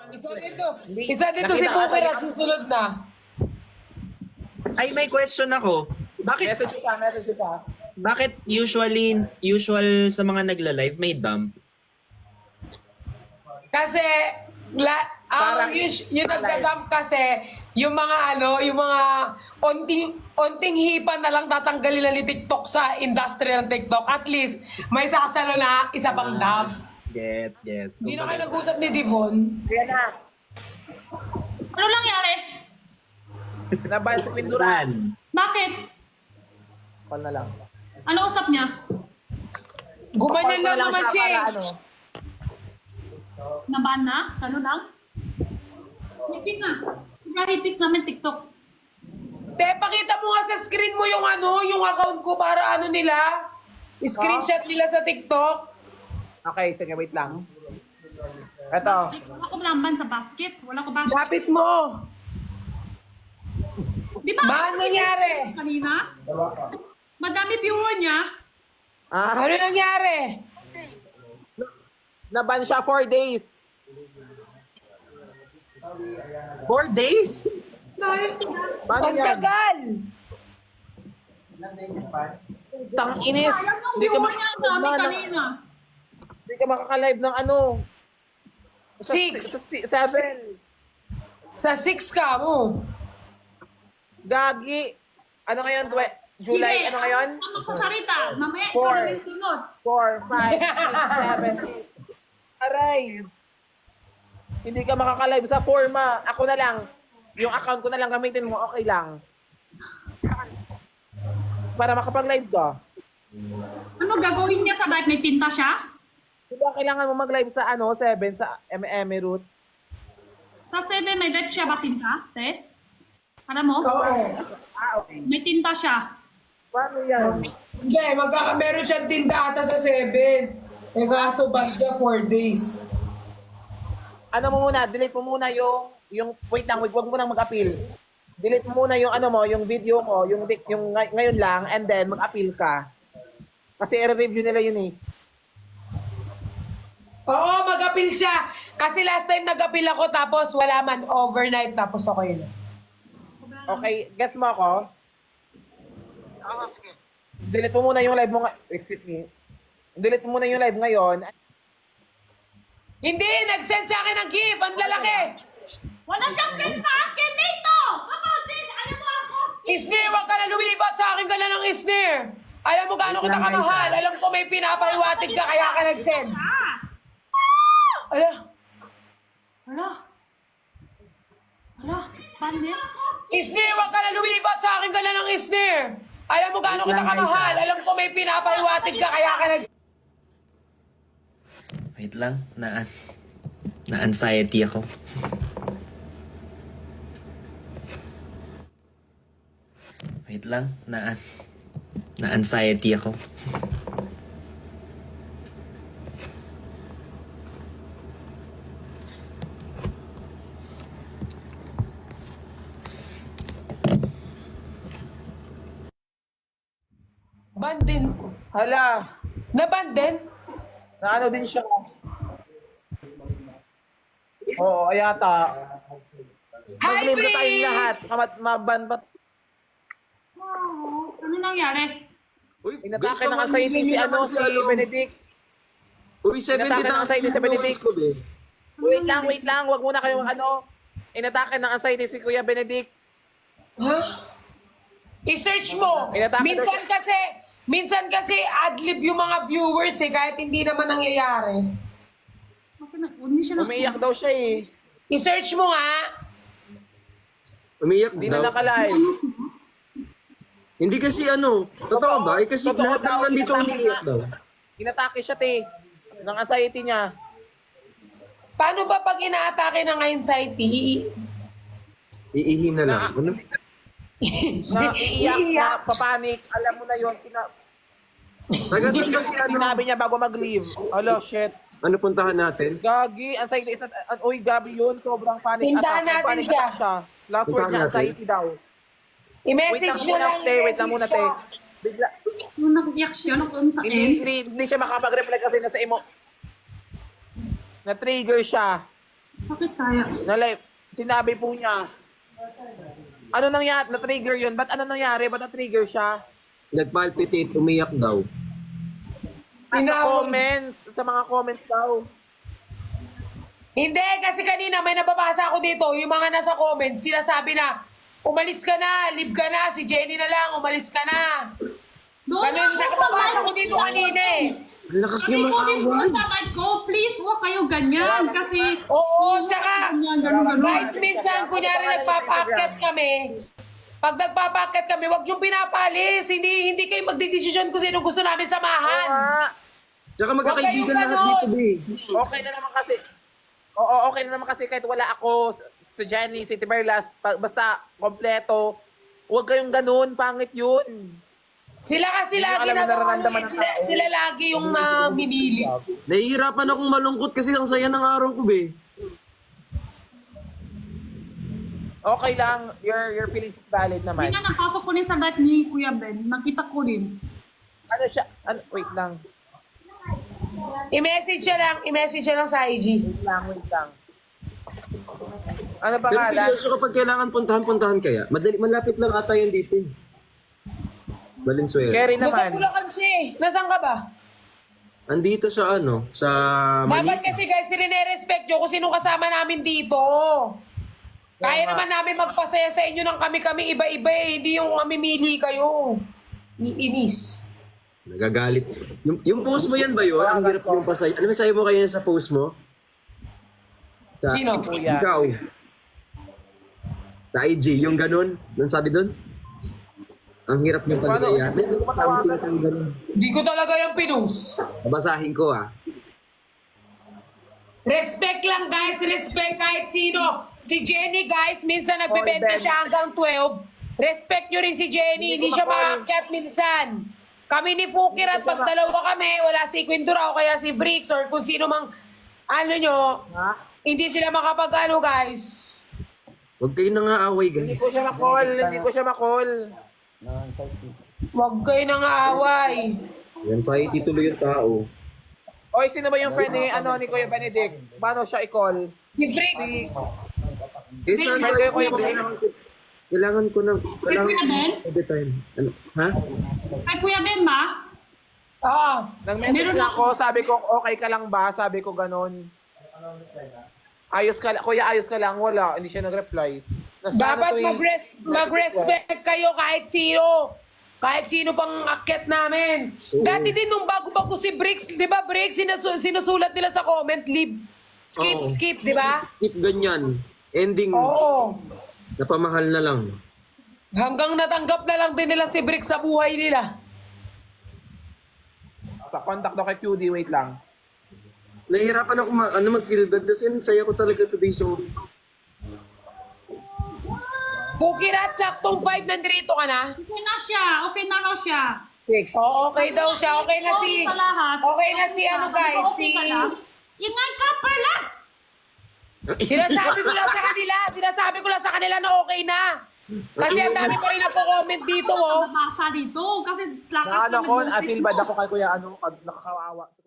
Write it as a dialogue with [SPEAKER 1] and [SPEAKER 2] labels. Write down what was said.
[SPEAKER 1] Isa dito si
[SPEAKER 2] Nakita
[SPEAKER 1] Booker
[SPEAKER 2] ka
[SPEAKER 1] at susunod na.
[SPEAKER 3] Ay, may question ako.
[SPEAKER 2] Message pa.
[SPEAKER 3] Bakit usual sa mga nagla-live may dump?
[SPEAKER 1] Kasi,
[SPEAKER 2] Parang-
[SPEAKER 1] yung nagdadump kasi, yung mga yung mga onting hipa na lang tatanggalin na ni TikTok sa industry ng TikTok. At least, may sasalo na isa pang dump.
[SPEAKER 3] Gets.
[SPEAKER 1] Hindi na kayo nag-usap ni Devon.
[SPEAKER 2] Kaya na.
[SPEAKER 4] Ano nangyari?
[SPEAKER 2] Naban sa pinturan.
[SPEAKER 4] Bakit?
[SPEAKER 2] Call na lang.
[SPEAKER 4] Ano usap niya?
[SPEAKER 1] Gumanyan
[SPEAKER 2] Call ko
[SPEAKER 1] lang
[SPEAKER 2] na
[SPEAKER 1] naman
[SPEAKER 2] siya
[SPEAKER 1] siya.
[SPEAKER 2] para
[SPEAKER 1] eh.
[SPEAKER 4] Naban na? Ano lang? Hipit na. Hipit namin TikTok.
[SPEAKER 1] Te, pakita mo nga sa screen mo yung yung account ko para nila. Screenshot nila sa TikTok.
[SPEAKER 2] Okay, sige, wait lang. Eto.
[SPEAKER 4] Wala ko lamban sa basket. Wala ko basket.
[SPEAKER 1] Lapit mo.
[SPEAKER 4] Di ba?
[SPEAKER 1] Ba, ano nangyari?
[SPEAKER 4] Kanina? Madami viewer niya.
[SPEAKER 1] Ano nangyari?
[SPEAKER 2] Naban siya 4 days.
[SPEAKER 3] 4 days?
[SPEAKER 2] Paano
[SPEAKER 1] Ang
[SPEAKER 2] yan?
[SPEAKER 1] tagal.
[SPEAKER 2] Tang inis.
[SPEAKER 4] Sayang ang
[SPEAKER 2] Hindi ka
[SPEAKER 4] viewer niya. Ang dami kanina.
[SPEAKER 2] Hindi ka makaka-live ng ano. Sa
[SPEAKER 1] 6.
[SPEAKER 2] 7.
[SPEAKER 1] Sa 6 ka mo.
[SPEAKER 2] Gagi. Ano ngayon? July, ano ngayon?
[SPEAKER 4] Ang magsasalita. Mamaya ikaw
[SPEAKER 2] Four.
[SPEAKER 4] na rin sunod.
[SPEAKER 2] 4, 5, 6, 7, 8. Aray. Hindi ka makaka-live sa forma. Ako na lang. Yung account ko na lang gamitin mo, okay lang. Para makapag-live ka.
[SPEAKER 4] Ano gagawin niya sa live? May tinta siya?
[SPEAKER 2] Diba kailangan mo mag-live sa 7 sa Emirate?
[SPEAKER 4] Sa 7 may live siya ba tinta? Te? Alam mo?
[SPEAKER 1] Oo.
[SPEAKER 2] Okay.
[SPEAKER 4] May tinta siya.
[SPEAKER 2] Paano yan?
[SPEAKER 1] Hindi, meron siyang tinda ata sa 7. Eh kaso ba siya 4 days.
[SPEAKER 2] Ano mo muna, delete mo muna yung wait lang, wag mo nang mag-appeal. Delete mo muna yung yung video mo, yung ngayon lang, and then mag-appeal ka. Kasi i-review nila yun eh.
[SPEAKER 1] Oo, mag-appeal siya. Kasi last time nag-appeal ako tapos wala man overnight tapos okay na.
[SPEAKER 2] Okay, gets mo ako? Delete mo muna yung live mo excuse me. Delete mo muna yung live ngayon.
[SPEAKER 1] Hindi, nag-send sa akin ng gift. Ang lalaki.
[SPEAKER 4] Wala siyang send sa akin dito! Kapatid! Alam mo ako!
[SPEAKER 1] Isnir, wag ka na lumilipat sa akin ka na ng Isnir. Alam mo gaano kita kamahal. Alam ko may pinapahiwatig ka kaya ka nag-send. Ala.
[SPEAKER 4] Hala? Hala? Pandit?
[SPEAKER 1] Isnir, wag ka na lumilipat sa akin ka na ng Isnir. Alam mo gaano kita kamahal. Alam ko may pinapahiwatig ka kaya ka nag-send.
[SPEAKER 3] Wait lang, na-anxiety ako. Wait lang, na-anxiety ako.
[SPEAKER 1] Bandin.
[SPEAKER 2] Hala,
[SPEAKER 1] Nabandin?
[SPEAKER 2] na ano din siya. Oo, ayata. Mag-live na tayong lahat. Maban ba?
[SPEAKER 4] Wow. Ano nangyari?
[SPEAKER 3] Uy,
[SPEAKER 2] Inatake ng anxiety si Benedict.
[SPEAKER 3] Uy, 70
[SPEAKER 2] Inatake ng anxiety si Benedict.
[SPEAKER 3] ko, be.
[SPEAKER 2] Wait lang. Wag muna kayong Inatake ng anxiety si Kuya Benedict.
[SPEAKER 1] Ha? I-search mo. Minsan kasi adlib yung mga viewers kahit hindi naman nangyayari.
[SPEAKER 4] Bakit hindi siya na...
[SPEAKER 2] Umiiyak daw siya eh.
[SPEAKER 1] I-search mo nga.
[SPEAKER 3] Umiyak
[SPEAKER 2] Hindi
[SPEAKER 3] daw.
[SPEAKER 2] na nakalive.
[SPEAKER 3] Hindi kasi totoo ba? Kasi
[SPEAKER 2] Totoo
[SPEAKER 3] lahat
[SPEAKER 2] daw,
[SPEAKER 3] naman dito
[SPEAKER 2] inatake
[SPEAKER 3] umiiyak
[SPEAKER 2] nga.
[SPEAKER 3] daw.
[SPEAKER 2] Inatake siya ng anxiety niya.
[SPEAKER 1] Paano ba pag inaatake ng anxiety?
[SPEAKER 3] Iihi na lang. Ano?
[SPEAKER 2] Naiiyak, na papanik. Alam mo na yun.
[SPEAKER 3] Taga-saan ba si
[SPEAKER 2] Sinabi niya bago mag-leave. Hello, shit.
[SPEAKER 3] Ano puntahan natin?
[SPEAKER 2] Gagi, anxiety is not... Uy, Gabi yun. Sobrang panic
[SPEAKER 1] Tindahan
[SPEAKER 2] attack.
[SPEAKER 1] natin
[SPEAKER 2] Panic
[SPEAKER 1] siya.
[SPEAKER 2] attack siya. Last word
[SPEAKER 3] Puntahan
[SPEAKER 2] niya,
[SPEAKER 3] natin.
[SPEAKER 2] anxiety daw.
[SPEAKER 1] I-message nyo lang.
[SPEAKER 2] Wait lang muna, te. Bigla,
[SPEAKER 4] Nung nakiyak siya, nakuha sa
[SPEAKER 2] hindi,
[SPEAKER 4] end.
[SPEAKER 2] hindi siya makapag-reply kasi nasa emo. Na-trigger siya.
[SPEAKER 4] Bakit kaya?
[SPEAKER 2] Na live, sinabi po niya, ano nangyari? Na-trigger yun? Ba't ano nangyari? Ba't na-trigger siya?
[SPEAKER 3] Nagpalpitate, umiyak daw.
[SPEAKER 2] Sa
[SPEAKER 1] Tinawag-
[SPEAKER 2] comments, sa mga comments daw.
[SPEAKER 1] Hindi, kasi kanina may nababasa ako dito, yung mga nasa comments, sinasabi na, umalis ka na, leave ka na, si Jenny na lang, umalis ka na.
[SPEAKER 4] Doon
[SPEAKER 1] Ganun,
[SPEAKER 4] ako sa
[SPEAKER 1] nakababasa ko
[SPEAKER 4] live
[SPEAKER 1] dito
[SPEAKER 4] ko.
[SPEAKER 1] kanina eh.
[SPEAKER 3] Ang lakas
[SPEAKER 4] Sabi
[SPEAKER 3] niyo
[SPEAKER 4] ko din po
[SPEAKER 3] mag-away.
[SPEAKER 4] sa live ko, please, huwag kayo ganyan. Kasi,
[SPEAKER 1] Oo, tsaka,
[SPEAKER 4] ganyan.
[SPEAKER 1] guys, minsan, kunyari nagpapakit kami, pag nagpapakit kami, wag yung pinapalis. Hindi kayo magdidesisyon kung sino gusto namin
[SPEAKER 2] Oo
[SPEAKER 1] samahan.
[SPEAKER 2] nga.
[SPEAKER 3] Tsaka magkakaibigan
[SPEAKER 1] Huwag
[SPEAKER 3] lahat
[SPEAKER 1] kayong
[SPEAKER 3] dito, be.
[SPEAKER 2] Okay na naman kasi. Oo, okay na naman kasi kahit wala ako, si Jenny, si Tiberlas, basta kompleto. Huwag kayong ganun, pangit yun.
[SPEAKER 1] Sila kasi
[SPEAKER 2] Hindi nyo
[SPEAKER 1] lagi
[SPEAKER 2] alam yung nararamdaman ng
[SPEAKER 1] sila,
[SPEAKER 2] tao.
[SPEAKER 1] sila lagi yung namimili.
[SPEAKER 3] Nahihirapan akong malungkot kasi ang saya ng araw ko, be.
[SPEAKER 2] Okay lang, your feelings is valid naman.
[SPEAKER 4] Hindi nga, napasok ko rin sa live ni Kuya Ben. Nakita ko rin.
[SPEAKER 2] Ano siya, wait lang,
[SPEAKER 1] I-message siya lang sa IG.
[SPEAKER 2] wait lang. Ano
[SPEAKER 3] Pero
[SPEAKER 2] pangalan?
[SPEAKER 3] seryoso kapag kailangan puntahan kaya. Malapit lang ata yun dito. Valenzuela.
[SPEAKER 2] Kerry
[SPEAKER 1] Nasa
[SPEAKER 2] naman.
[SPEAKER 1] Bulacan siya eh. Nasaan ka ba?
[SPEAKER 3] Andito sa sa
[SPEAKER 1] Dapat
[SPEAKER 3] Manila.
[SPEAKER 1] kasi guys, sinire-respect nyo kung sinong kasama namin dito. Kaya naman namin magpasaya sa inyo ng kami-kami iba-iba eh. Hindi yung mamimili kayo. Iinis.
[SPEAKER 3] Nagagalit. Yung post mo yan ba yun? Ang hirap yung pasay. Ano masabi mo kayo sa post mo?
[SPEAKER 1] Sino?
[SPEAKER 2] Kuya.
[SPEAKER 3] Ikaw. Sa IG, yung ganun. Yung sabi dun? Ang hirap yung pagdaya. May something kang ganun.
[SPEAKER 1] Hindi ko talaga yung pinus.
[SPEAKER 3] Babasahin ko ah.
[SPEAKER 1] Respect lang guys, respect kahit sino. Si Jenny guys, minsan nagbebenta
[SPEAKER 2] Ben.
[SPEAKER 1] siya hanggang 12. Respect nyo rin si Jenny, hindi siya maakyat minsan. Kami ni Fukir at pag dalawa kami, wala si Quindura o kaya si Bricks or kung sino mang ano nyo,
[SPEAKER 2] Ha?
[SPEAKER 1] hindi sila makapag-ano guys.
[SPEAKER 3] Huwag kayo nang aaway,
[SPEAKER 2] Hindi
[SPEAKER 3] guys.
[SPEAKER 2] ko siya makall, hindi ko siya makall.
[SPEAKER 1] Huwag kayo nang aaway.
[SPEAKER 3] Anxiety tuloy yung tao.
[SPEAKER 2] Oy, sino ba yung friend ni, ni Kuya Benedict? Paano siya i-call?
[SPEAKER 1] Si Bricks,
[SPEAKER 3] Is na
[SPEAKER 2] Kuya Ben?
[SPEAKER 3] kailangan ko ng
[SPEAKER 4] Kuya Ben?
[SPEAKER 3] every time. Ano? Ha?
[SPEAKER 4] Kay Kuya Ben ba?
[SPEAKER 2] Nag-message na ako, sabi ko, okay ka lang ba? Sabi ko ganun. Ayos ka lang, kuya, ayos ka lang. Wala, hindi siya nag-reply.
[SPEAKER 1] dapat mag-respect kayo kahit sino. Kahit sino pang akyat namin. Dati din nung bago-bago si Bricks, di ba Bricks, sinusulat nila sa comment, leave, skip,
[SPEAKER 3] Oo.
[SPEAKER 1] skip, di ba?
[SPEAKER 3] Tip ganyan. Ending,
[SPEAKER 1] Oo.
[SPEAKER 3] napamahal na lang.
[SPEAKER 1] Hanggang natanggap na lang din nila si Bricks sa buhay nila.
[SPEAKER 2] Contact daw kay QD, wait lang.
[SPEAKER 3] Nahihirapan ako mag-feel bad kasi saya ko talaga today, sorry.
[SPEAKER 1] Kukirat, saktong 5 nandito ka na.
[SPEAKER 4] Okay na siya. Okay na raw siya.
[SPEAKER 2] 6.
[SPEAKER 1] Oo, okay daw siya. Okay na si...
[SPEAKER 4] Sorry sa lahat.
[SPEAKER 1] Okay na si ano
[SPEAKER 4] Sabi ko,
[SPEAKER 1] guys,
[SPEAKER 4] okay
[SPEAKER 1] si...
[SPEAKER 4] ka na? Ingay ka, Perlas!
[SPEAKER 1] Sinasabi ko lang sa kanila na okay na. Kasi ang dami pa rin nagko-comment dito, oh.
[SPEAKER 4] Nabasa dito. Kasi lakas
[SPEAKER 2] Na ano ko,
[SPEAKER 4] naman yung
[SPEAKER 2] I feel bad
[SPEAKER 4] Facebook.
[SPEAKER 2] ako kay kuya, nakakawawa.